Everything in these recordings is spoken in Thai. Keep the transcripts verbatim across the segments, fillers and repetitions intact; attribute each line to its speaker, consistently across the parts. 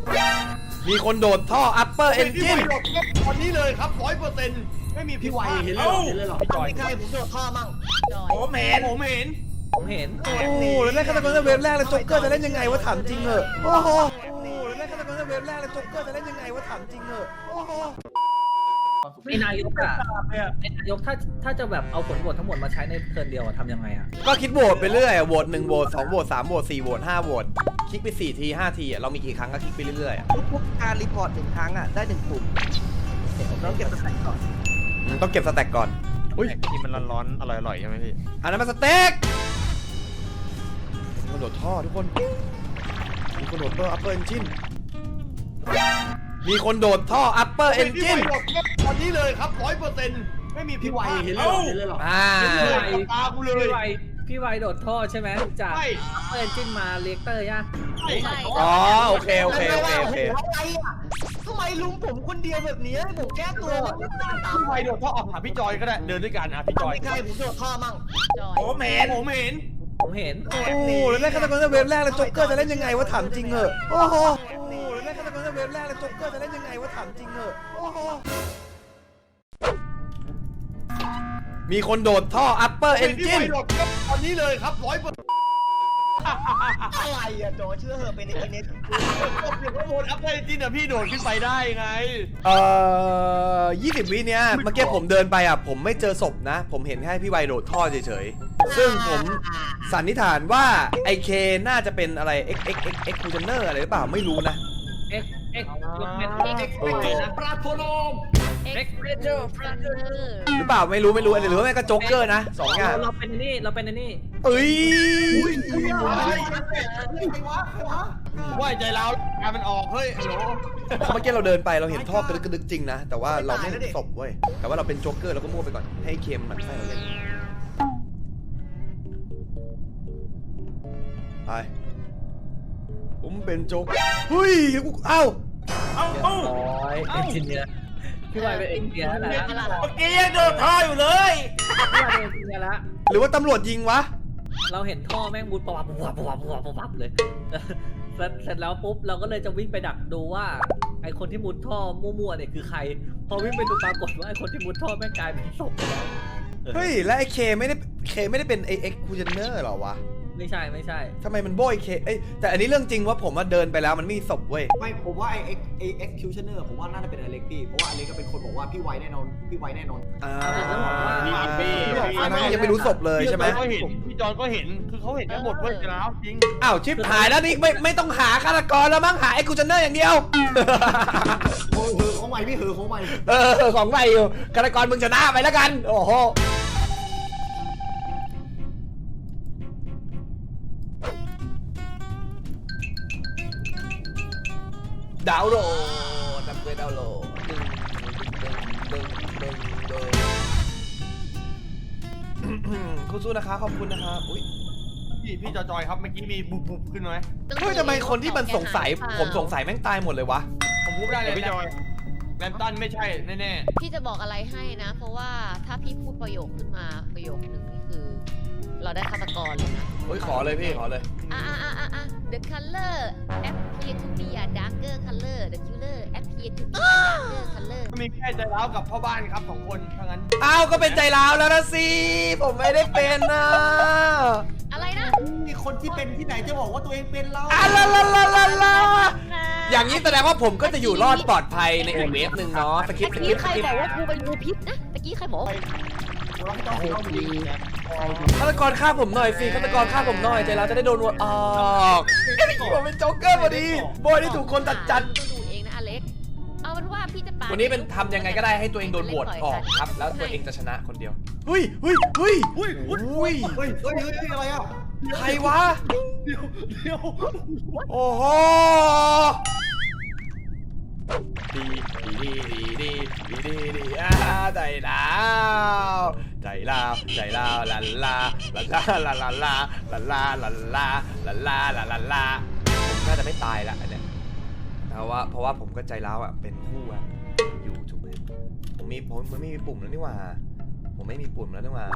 Speaker 1: มีคนโดดท่อ upper engine
Speaker 2: ตอนนี้เลยครับร้อยเปอร์เซ็นต์ไม่มี
Speaker 3: พี่
Speaker 2: พี่
Speaker 3: ไว
Speaker 2: วาย
Speaker 3: เห็
Speaker 2: เห็
Speaker 3: น
Speaker 2: น
Speaker 3: เล
Speaker 2: เลย ย
Speaker 3: เหรอ
Speaker 2: เห็นเลยเหรอพี่จอย
Speaker 3: ใครผมโดดท่อมั่ง
Speaker 2: ผมเห็นผมเห็น
Speaker 4: ผมเห็น
Speaker 1: โอ้โหแล้วเล่นฆาตกรเวฟแรกแล้วโจ๊กเกอร์จะเล่นยังไงวะถามจริงเหอะโอ้โหโอ้โหแล้วเล่นฆาตกรเวฟแรกแล้วโจ๊กเกอร์จะเล่นยังไงวะถามจริงเหอะโอ้โห
Speaker 4: ไอ้นายกอะไอ้นายกถ้าถ้าจะแบบเอาผลโหวตทั้งหมดมาใช้ในเทิร์นเดียวอะทำยังไงอะ
Speaker 1: ก็คิดโหวตไปเรื่อยอะโหวตหนึ่งโหวตสองโหวตสามโหวตสี่โหวตห้าโหวตคลิกไปสี่ทีห้าทีอะเรามีกี่ครั้งก็คลิกไปเรื่อยๆอะ
Speaker 5: ทุกๆการรีพอร์ตหนึ่งครั้งอ่ะได้หนึ่งปุ่มต้องเก็บสแต็กก่อน
Speaker 1: อืมต้องเก็บสแต็กก่อนอุ้ย
Speaker 2: ที่มันร้อนๆอร่อยๆใช่ไหมพี่
Speaker 1: อันนั้นมันสเต็กมีคนโดดท่อทุกคนมีคนโดดท่อ upper engine มีคนโดดท่อ upper engine
Speaker 2: ตอนนี้เลยครับร้อยเปอร์เซ็นต์ไม่มี
Speaker 3: พี่
Speaker 2: พี่
Speaker 3: ไว
Speaker 2: วาย
Speaker 3: เห็
Speaker 2: เห็
Speaker 3: น
Speaker 2: น
Speaker 3: เล
Speaker 2: เลย ย
Speaker 3: เห็นเลยเหรอ
Speaker 1: อ่า
Speaker 2: ตากูเลย
Speaker 4: พี่ไวพี่ไวโดดท่อใช่ไหมจาก
Speaker 2: ใช่
Speaker 4: เปิดจิ้นมาเลกเตอร์ย่ะ
Speaker 2: ใช่
Speaker 1: อ๋อโอเคโอเคโอเคโอเค
Speaker 5: อะไรอ่ะทำไมลุงผมคนเดียวแบบนี้ให้ผมแก้ตัวไม่ได้ตาม
Speaker 2: พี่วายโดดท่อออกหาพี่จอยก็ได้เดินด้วยกันนะพี่จอย
Speaker 5: ใครผมโดดท่อมั่ง
Speaker 2: ผมเห็นผมเห็น
Speaker 4: ผมเห็น
Speaker 1: โอ้โหแล้วเล่นฆาตกรเวฟแรกแล้วโจ๊กเกอร์จะเล่นยังไงวะถามจริงเหอะโอ้โหโอ้โหแล้วเล่นฆาตกรเวฟแรกแล้วโจ๊กเกอร์จะเล่นยังไงวะถามจริงเหอะโอ้โหมีคนโดดท่อ upper
Speaker 2: พี่วา
Speaker 1: engine
Speaker 2: ยโดดตอนนี้เลยครับร้อยเปอร์เซ็นต์
Speaker 5: อะไรอ่ะโจเชื่อเหอะเป็นในอินเน็ต
Speaker 2: ผมอยู่ข้างบนอัพได้จริงแต่พี่โดดขึ้นไปได้ไง
Speaker 1: เอ่อยี่สิบวิเนี้ยเมื่อกี้ผมเดินไปอ่ะผมไม่เจอศพนะ ผมเห็นแค่พี่ไวโดดท่อเฉยๆซึ่งผมสันนิษฐานว่าไอเคน่าจะเป็นอะไร x x x x c u s i o n e r อะไรหรือเปล่าไม่รู้นะ
Speaker 4: เอ็กเอ็กยกเป็น
Speaker 3: เอ็กซ์เพรสนะปลาโทโนม
Speaker 4: เอ็กเพรสเจอร์
Speaker 1: หรือเปล่าไม่รู้ไม่รู้หรือว่าแม่งก็โจ๊กเกอร์นะสองอย่าง
Speaker 4: เราเป็นนี่เราเป็นนี่
Speaker 1: เอ้ย
Speaker 2: ว่าใจเราการมันออกเฮ้ยฮัลโหล
Speaker 1: เมื่อกี้เราเดินไปเราเห็นท่อกระดึกกระดึกจริงนะ แต่ว่าเราไม่เห็นศพเว้ยแต่ว่าเราเป็นโจ๊กเกอร์เราก็มั่วไปก่อนให้เคมมันใช่เราเล่นไปผมเป็นโจ๊กเฮ้ยเอ้า
Speaker 2: เอ้า
Speaker 4: เรียบ
Speaker 2: เอ้า
Speaker 4: ร้อยเอ็นจิเนียร์พี่ไวเป็นเอ็นจิเนียร์แล้วนะ
Speaker 2: เมื่อกี้ยังโดดท่ออยู่เลย
Speaker 4: พี่ไวเป็นเอ็นจิเนียร์แล้ว
Speaker 1: หรือว่าตำรวจยิงวะ
Speaker 4: เราเห็นท่อแม่งมุดปวับปวับปวับปวับปวับเลยเสร็จเสร็จแล้วปุ๊บเราก็เลยจะวิ่งไปดักดูว่าไอคนที่มุดท่อมั่วๆเนี่ยคือใคร พอวิ่งไปดูปรากฏว่าไอคนที่มุดท่อแม่งกลายเป็นศพไปแล้ว
Speaker 1: เฮ้ยแล้วไอ้เคไม่ได้เคไม่ได้เป็นไอเอ็กคูเจเนอร์หรอวะ
Speaker 4: ไม่ใช่ไม่ใช่
Speaker 1: ทำไมมันโบยเคเอ้ยแต่อันนี้เรื่องจริงว่าผมว่าเดินไปแล้วมันไม่มีศพเว้ย
Speaker 3: ไม่ผมว่าไอเอ็กไอเอ็กซ์คิวชันเนอร์ผมว่าน่าจะเป็นอเล็กพี่เพราะว่าอเล็กก็เป็นคนบอกว่าพี่ไวแน่นอนพี่ไวแน่นอน
Speaker 1: อ่า
Speaker 2: พี่พี่
Speaker 1: อันนั้นยังไม่รู้ศพเลยใช่ไหม
Speaker 2: ก็เห็นพี่จอนก็เห็นคือเขาเห็นกันหมดเว้ยจะแล้วจริง
Speaker 1: อ้าวชิปหายแล้วนี่ไม่ไม่ต้องหาฆาตกรแล้วมั้งหาไอ้คูเจเนอร์อย่างเดียว
Speaker 3: โอ้ยเหอของใหม่พี่เหอของใหม่
Speaker 1: เออของใหม่อยู่ฆาตกรมึงชนะไปแล้วกันโอ้โหดาวน์โหลดนำเพื่อดาวน์โหลดดึงดึงดึงดึงดึงดึงคุณสู้นะคะขอบคุณนะคะอุ้ย
Speaker 2: พี่พี่จอยครับเมื่อกี้มีบุบบุบขึ้นไหม
Speaker 1: เฮ้ยทำไมคนที่มันสงสัยผมสงสัยแม่งตายหมดเลยวะ
Speaker 2: ผมพูดได้เลยพี่จอยแรมตันไม่ใช่แน่
Speaker 6: พี่จะบอกอะไรให้นะ เพราะว่าถ้าพี่พูดประโยคขึ้นมาประโยคนึงนี่คือ เราได้ฆาตกรเลยนะ
Speaker 1: เฮ้ยขอเลยพี่ขอเลย
Speaker 6: อ่ะอ่ะอ่ะอ่ะอ่ะ the color appear to be a darker color the killer appear to be a darker color
Speaker 2: ๆก็มีแค่ใจร้าวกับพ่อบ้านครับสองคนเท่านั้น
Speaker 1: อ้าวก็เป็นใจร้าวแล้วนะสิผมไม่ได้เป็นนะ
Speaker 6: อะไรนะ
Speaker 3: มีคนที่เป็นที่ไหนจะบอกว่าตัวเองเป็นเรา
Speaker 1: อ่ะลาลาลาลาลาอย่างนี้แสดงว่าผมก็จะอยู่รอดปลอดภัยในอีกเวฟหนึ่งเนาะสกิปส
Speaker 6: ตะ
Speaker 1: กิ
Speaker 6: กี้
Speaker 1: ป
Speaker 6: ใค
Speaker 1: ส
Speaker 6: ร
Speaker 1: กิป
Speaker 6: บอกว่ากูเป็นงูพิษนะตะกี้ใครบอกว่า
Speaker 3: เราไม่ต้องเราดี
Speaker 1: ฆาตกรฆ่าผมหน่อยสิฆาตกรฆ่าผมหน่อยใจร้าวจะได้โดนวนออกก็ได้ผมเป็นโจ๊กเกอร์พอดีโบยได้ถูกคนตัดจัด
Speaker 6: ต้องดูเองนะอเล็กเอาเป็นว่าพี่จะปา
Speaker 1: วันนี้เป็นทำยังไงก็ได้ให้ตัวเองโดนโหวตออกครับ แล้วตัวเองจะชนะคนเดียวเฮ้ยเฮ้ยเฮ้ยเฮ้ยเฮ้ย
Speaker 3: เฮ้ยเฮ้ยเฮ้ยอะไรอ่ะ
Speaker 1: ใครวะ
Speaker 2: เดี๋ยวเดี๋ยว
Speaker 1: โอ้โหดีดีดีดีดีดีดีอ่าใจลาวใจลาวใจลาวลาลาลาลาลาลาลาลาลาลาลาลาลาลาลาลาผมน่าจะไม่ตายละอันเนี้ยเพราะว่าเพราะว่าผมก็ใจร้าวอ่ะเป็นคู่อ่ะอยู่ถูกไหมผมมีผมไม่มีปุ่มแล้วนี่หว่าผมไม่มีปุ่มแล้วนี่หว่า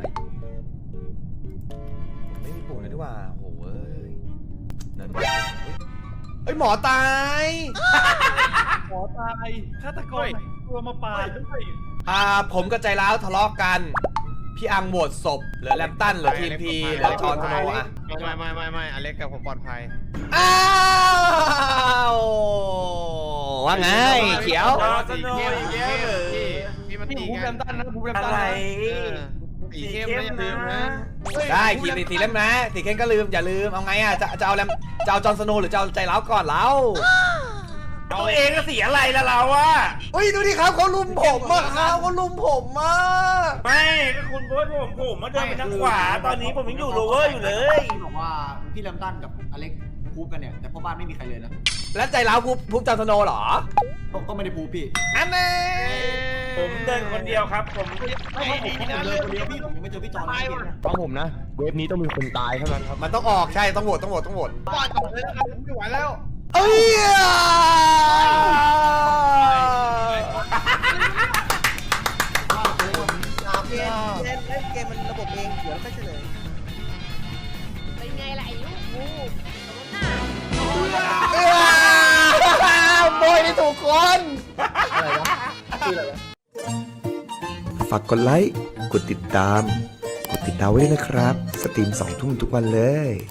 Speaker 1: ผมไม่มีปุ่มแล้วนี่หว่าโอ้โหเอ้ยนั่นเอ้ยหมอตาย
Speaker 2: หมอตายฆาตกรตัวมาปาดด้วย
Speaker 1: อ่าผมกับใจร้าวทะเลาะกัน พี่อังโหวตศพเหลือแลมตันเหลือทีมพีเหลือจอห์นสโนว์อะ
Speaker 2: ไม่ไม่ไม่ไม่อเล็กกับผมปลอดภัย
Speaker 1: อ้าวว่าไงเขียว
Speaker 2: สนุกอีกแล้วเหรอพี่มันตีกันตันนะภูมิตันอะไรสีเข้มนะอย่าลืมนะ
Speaker 1: ได้ขีดสีเล่มนะสีเข้มก็ลืมอย่าลืมเอาไงอ่ะจะจะเอาแลมจะเอาจอห์นสโนว์หรือจะเอาใจร้าวก่อนเรา
Speaker 2: ตัวเองก็สีอะไรละเราอะ
Speaker 1: เฮ้ยดูดิครับเขาลุมผมอะครับเขาลุมผมอะ
Speaker 7: ไม่ก็คุณโบยผมผมมาเดินไปทางขวาตอนนี้ผมยังอยู่โรเวอร์อยู่เลย
Speaker 3: พี่บอกว่าพี่ลำตันกับอเล็กพูดกันเนี่ยแต่พ่อบ้านไม่มีใครเลยนะ
Speaker 1: แล้วใจร้าวพูพูจอห์นสโนว์เหรอ
Speaker 3: ก็ก็ไม่ได้พูดพี่
Speaker 1: อันนี้
Speaker 7: ผมเดินคนเดียวครับผม
Speaker 3: ไม่ผมผมเลยคนเดียวพี่ผมยังไม่เจอพี่จอนเลยพี่นะ
Speaker 2: ฟังผมนะเวฟนี้ต้องมีคนตายเท่านั้นครับ
Speaker 1: มันต้องออกใช่ต้องโหวตต้องโหวตต้องโหวต
Speaker 2: ว่าก่อนเลยนะครับไม่ไหวแล้ว
Speaker 1: เอ้ย
Speaker 5: เกมเล่นเล่นเกมมันระบบเองเดี๋ยวค่อยเฉลย
Speaker 6: เป็นไงล่ะไอ้ลูกกูสมน้า
Speaker 1: โบยได้ถูกคน
Speaker 8: ฝากกดไลค์ กดติดตาม กดติดดาวไว้ด้วยนะครับ สตรีมสองทุ่มทุกวันเลย